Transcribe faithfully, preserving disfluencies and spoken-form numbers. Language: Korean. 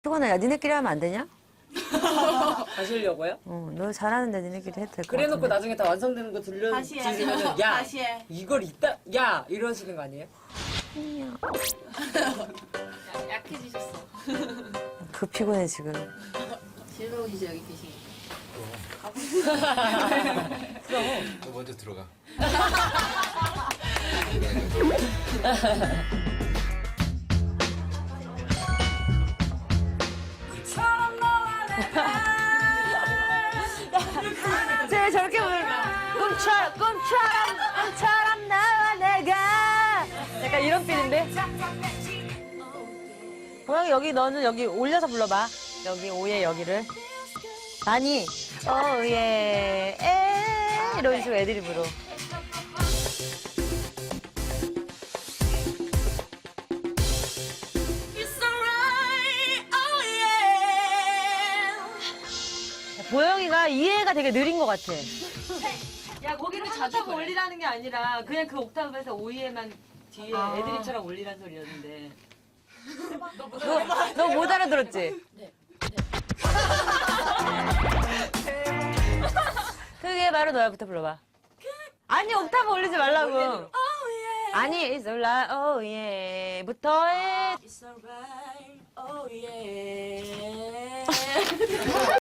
수건아, 야, 니네끼리 하면 안 되냐? 가시려고요? 어, 너 잘하는데 니네끼리 해도 될 것 같은데. 그래놓고 나중에 다 완성되는 거 다시 해. 들려주면은 야 다시 해. 이걸 이따 야 이러시는 거 아니에요? 약해지셨어. 그 피곤해, 지금. 즐거우시죠, 여기 계시니까. 너 먼저 들어가. 쟤 저렇게 부르 꿈처럼, 꿈처럼, 꿈처럼 나와 내가. 약간 이런 필인데? 고양이 여기 너는 여기 올려서 불러봐. 여기 오예 여기를. 아니, 오예, 에 이런 식으로 애드립으로. 보영이가 이해가 되게 느린 것 같아. 야, 거기를 자주 올리라는 게 아니라 그냥 그 옥타브에서 오이에만 뒤에 애드립처럼 올리란 소리였는데. 너 못 알아들었지? 네. 그게 바로 너야부터 불러봐. 아니, 옥타브 올리지 말라고. 아니, it's alright, oh yeah.부터 해. It's alright, oh yeah.